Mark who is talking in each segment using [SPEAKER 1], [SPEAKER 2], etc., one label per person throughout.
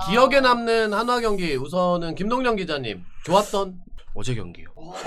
[SPEAKER 1] 기억에 남는 한화 경기 우선은 김동영 기자님 좋았던
[SPEAKER 2] 어제 경기요.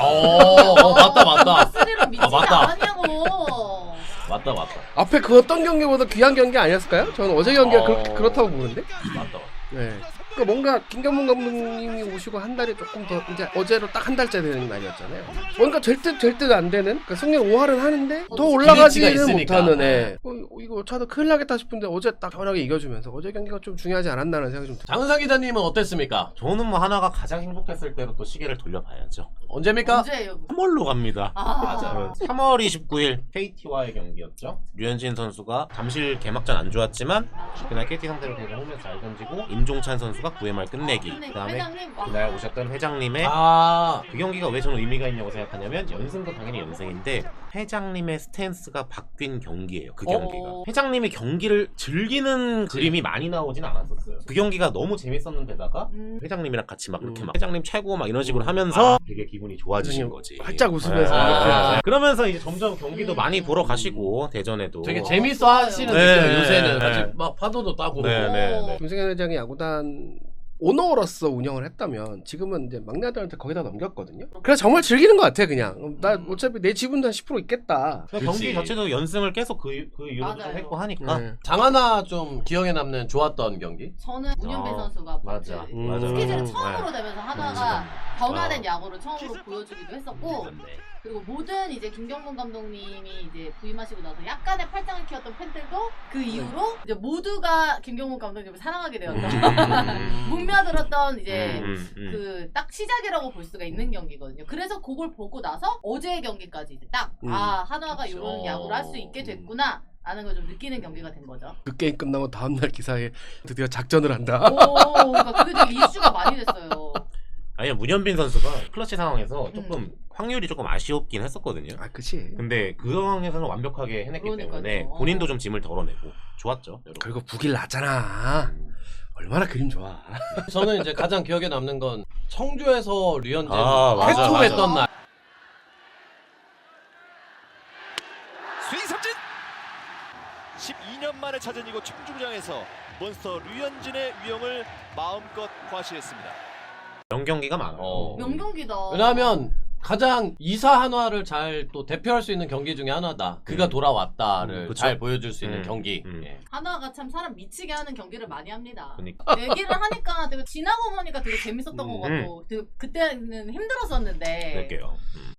[SPEAKER 1] 맞다.
[SPEAKER 3] 스리로 미치지
[SPEAKER 1] 맞다.
[SPEAKER 3] 않았냐고.
[SPEAKER 1] 맞다.
[SPEAKER 2] 앞에 그 어떤 경기보다 귀한 경기 아니었을까요? 저는 어제 경기가 그렇다고 보는데.
[SPEAKER 1] 맞다.
[SPEAKER 2] 네. 그러니까 뭔가 김경문 감독님이 오시고 한 달이 조금 더 이제 어제로 딱 한 달째 되는 날이었잖아요. 뭔가 될 듯 안 되는. 그러니까 승률 5할은 하는데 더 올라가지는
[SPEAKER 1] 있으니까.
[SPEAKER 2] 못하는 애. 이거 차도 큰일 나겠다 싶은데 어제 딱 편하게 이겨주면서 어제 경기가 좀 중요하지 않았나라는 생각이 좀 들어요.
[SPEAKER 1] 장은상 기자님은 어땠습니까?
[SPEAKER 4] 저는 뭐 하나가 가장 행복했을 때로 또 시계를 돌려봐야죠.
[SPEAKER 1] 언제입니까?
[SPEAKER 3] 언제예요?
[SPEAKER 4] 3월로 갑니다.
[SPEAKER 3] 맞아요.
[SPEAKER 4] 3월 29일 KT와의 경기였죠. 류현진 선수가 잠실 개막전 안 좋았지만 그날 KT 상대로 되게 홈에서 잘 던지고 임종찬 선수가 9회 말 끝내기. 그다음에
[SPEAKER 3] 회장님 와.
[SPEAKER 4] 그날 오셨던 회장님의 그 경기가 왜 저는 의미가 있냐고 생각하냐면 연승도 당연히 연승인데 회장님의 스탠스가 바뀐 경기예요. 그 경기가 회장님이 경기를 즐기는 그림이 많이 나오진 않았었어요. 그 경기가 너무 재밌었는데다가 회장님이랑 같이 막 이렇게 막 회장님 최고 막 이런 식으로 하면서 되게 기분이 좋아지신 거지.
[SPEAKER 2] 활짝 웃으면서
[SPEAKER 4] 네. 그러면서 이제 점점 경기도 많이 보러 가시고 대전에도
[SPEAKER 1] 되게 재밌어 하시는
[SPEAKER 4] 네.
[SPEAKER 1] 느낌이에요. 요새는
[SPEAKER 4] 네.
[SPEAKER 1] 아직 막 파도도 따고.
[SPEAKER 4] 네.
[SPEAKER 2] 김승현 회장이 야구단 오너로서 운영을 했다면 지금은 이제 막내 아들한테 거기다 넘겼거든요. 그래서 정말 즐기는 것 같아 그냥. 나 어차피 내 지분도 한 10% 있겠다.
[SPEAKER 4] 경기 자체도 연승을 계속 그 이후로 좀
[SPEAKER 3] 맞아요.
[SPEAKER 4] 했고 하니까
[SPEAKER 2] 네.
[SPEAKER 1] 장하나 좀 기억에 남는 좋았던 경기?
[SPEAKER 3] 저는 문현배 선수가
[SPEAKER 4] 맞아.
[SPEAKER 3] 스케줄이
[SPEAKER 4] 네.
[SPEAKER 3] 처음으로 되면서 하나가 변화된 야구를 처음으로 보여주기도 했었고
[SPEAKER 4] 네.
[SPEAKER 3] 그리고 모든 이제 김경문 감독님이 이제 부임하시고 나서 약간의 팔짱을 키웠던 팬들도 그 이후로 이제 모두가 김경문 감독님을 사랑하게 되었던 묵며들었던 이제 그 딱 시작이라고 볼 수가 있는 경기거든요. 그래서 그걸 보고 나서 어제의 경기까지 이제 딱 한화가 이런 야구를 할 수 있게 됐구나. 라는 걸 좀 느끼는 경기가 된 거죠.
[SPEAKER 2] 그 게임 끝나고 다음날 기사에 드디어 작전을 한다.
[SPEAKER 3] 그러니까 그게 되게 이슈가 많이 됐어요.
[SPEAKER 4] 아니요 문현빈 선수가 클러치 상황에서 조금 확률이 조금 아쉬웠긴 했었거든요.
[SPEAKER 2] 아 그치.
[SPEAKER 4] 근데 그 상황에서는 완벽하게 해냈기
[SPEAKER 3] 그러니까요.
[SPEAKER 4] 때문에 본인도 좀 짐을 덜어내고 좋았죠. 여러분.
[SPEAKER 2] 그리고 9일 났잖아. 얼마나 그림 좋아.
[SPEAKER 1] 저는 이제 가장 기억에 남는 건 청주에서 류현진
[SPEAKER 4] 맞아.
[SPEAKER 1] 쾌투했던 날.
[SPEAKER 5] 스윙 삼진 12년 만에 찾은 이곳 청주구장에서 몬스터 류현진의 위용을 마음껏 과시했습니다.
[SPEAKER 4] 명경기가 많아요.
[SPEAKER 3] 명경기다.
[SPEAKER 1] 왜냐하면 가장 이사 한화를 잘 또 대표할 수 있는 경기 중에 하나다. 그가 돌아왔다를
[SPEAKER 4] 그쵸?
[SPEAKER 1] 잘 보여줄 수 있는 경기. 예.
[SPEAKER 3] 한화가 참 사람 미치게 하는 경기를 많이 합니다.
[SPEAKER 4] 그러니까.
[SPEAKER 3] 얘기를 하니까 되게 지나고 보니까 되게 재밌었던 것 같고 되게 그때는 힘들었었는데
[SPEAKER 4] 그럴게요.